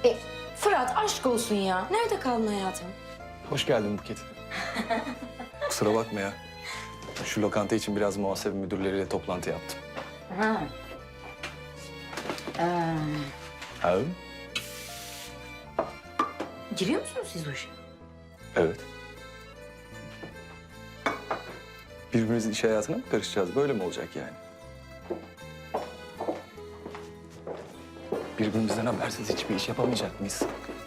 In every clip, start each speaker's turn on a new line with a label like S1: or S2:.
S1: Fırat aşk olsun ya. Nerede kaldın hayatım?
S2: Hoş geldin Buket. Kusura bakma ya. Şu lokanta için biraz muhasebe müdürleriyle toplantı yaptım.
S1: Ha.
S2: Ha?
S1: Giriyor musunuz siz bu işe?
S2: Evet. Birbirimizin iş hayatına mı karışacağız? Böyle mi olacak yani? Birbirimizden habersiz hiçbir iş yapamayacak mıyız?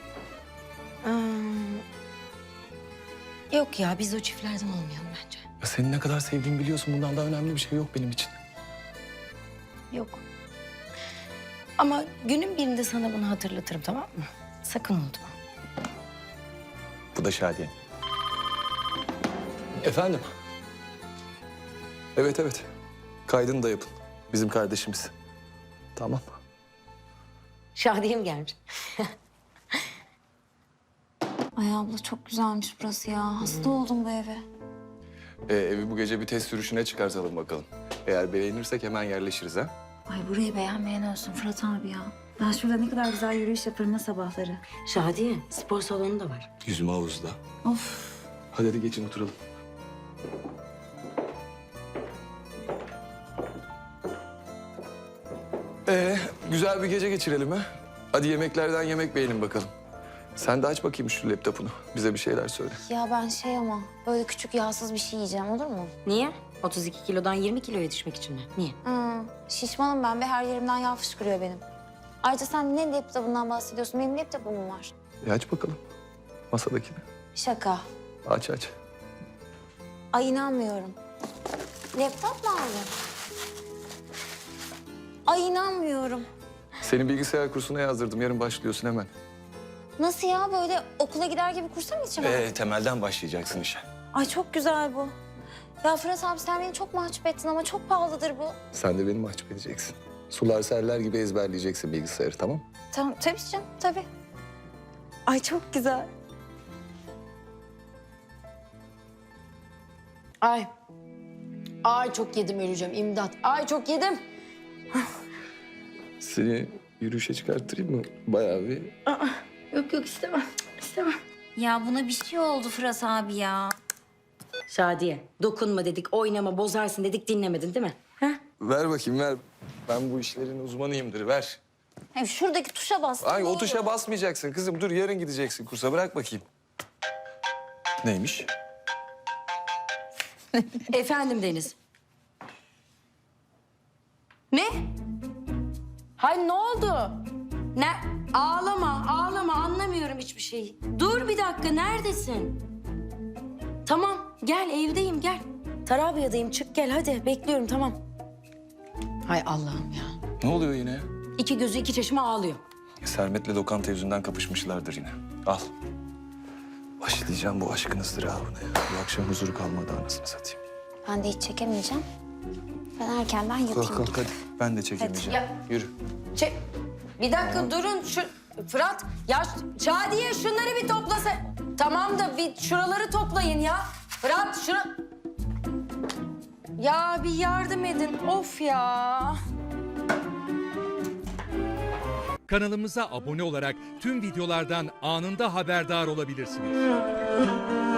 S1: Yok ya biz o çiftlerden olmayalım bence.
S2: Ya seni ne kadar sevdiğimi biliyorsun. Bundan daha önemli bir şey yok benim için.
S1: Yok. Ama günün birinde sana bunu hatırlatırım, tamam mı? Sakın unutma.
S2: Bu da Şadiye. Efendim? Evet, evet. Kaydını da yapın. Bizim kardeşimiz. Tamam.
S1: Şadiye'm gelmiş.
S3: Ay abla çok güzelmiş burası ya. Hasta oldum bu eve.
S2: Evi bu gece bir test sürüşüne çıkartalım bakalım. Eğer beğenirsek hemen yerleşiriz ha.
S3: Ay burayı beğenmeyen olsun Fırat abi ya. Ben şurada ne kadar güzel yürüyüş yaparım ha sabahları.
S1: Şadiye, spor salonu da var.
S2: Yüzme havuzda.
S3: Of.
S2: Hadi geçin oturalım. Güzel bir gece geçirelim ha. Hadi yemeklerden yemek beğenin bakalım. Sen de aç bakayım şu laptopunu. Bize bir şeyler söyle.
S3: Ya ben ama böyle küçük yağsız bir şey yiyeceğim olur mu?
S1: Niye? 32 kilodan 20 kiloya düşmek için mi? Niye?
S3: Şişmanım ben ve her yerimden yağ fışkırıyor benim. Ayrıca sen ne laptopundan bahsediyorsun? Benim laptopum var.
S2: Aç bakalım. Masadakini.
S3: Şaka.
S2: Aç aç.
S3: Ay inanmıyorum. Laptop mu aldın? Ay inanmıyorum.
S2: Seni bilgisayar kursuna yazdırdım. Yarın başlıyorsun hemen.
S3: Nasıl ya böyle okula gider gibi kursa mı gideceğim?
S2: Temelden başlayacaksın işe.
S3: Ay çok güzel bu. Ya Fırat abi sen beni çok mahcup ettin ama çok pahalıdır bu.
S2: Sen de beni mahcup edeceksin. Sular seller gibi ezberleyeceksin bilgisayarı, tamam?
S3: Tamam tabii canım tabii. Ay çok güzel.
S1: Ay. Ay çok yedim, öleceğim. İmdat. Ay çok yedim.
S2: Seni yürüyüşe çıkarttırayım mı? Bayağı bir...
S1: Yok yok istemem. İstemem.
S3: Ya buna bir şey oldu Fırat abi ya.
S1: Şadiye, dokunma dedik, oynama, bozarsın dedik, dinlemedin değil mi? Ha?
S2: Ver bakayım, ver. Ben bu işlerin uzmanıyımdır, ver.
S3: Hem şuradaki tuşa bastım.
S2: Ay
S3: ne
S2: o
S3: olur.
S2: tuşa basmayacaksın kızım. Dur yarın gideceksin kursa. Bırak bakayım. Neymiş?
S1: Efendim Deniz. Ne? Hay ne oldu? Ne? Ağlama, ağlama. Anlamıyorum hiçbir şeyi. Dur bir dakika, neredesin? Tamam, gel evdeyim, gel. Tarabya'dayım, çık gel hadi. Bekliyorum, tamam. Hay Allah'ım ya.
S2: Ne oluyor yine ya?
S1: İki gözü iki çeşme ağlıyor.
S2: Sermet'le lokanta yüzünden kapışmışlardır yine. Al. Başlayacağım bu aşkın ızdırabına ya. Bu akşam huzur kalmadı anasını satayım.
S3: Ben de hiç çekemeyeceğim. Ben erkenden yatayım.
S2: Kalk kalk hadi. Ben de çekemeyeceğim.
S1: Ya.
S2: Yürü.
S1: Bir dakika durun. Fırat, ya Şadiye şunları bir toplasa. Tamam da bir şuraları toplayın ya. Fırat şunu... Ya bir yardım edin. Of ya.
S4: Kanalımıza abone olarak tüm videolardan anında haberdar olabilirsiniz.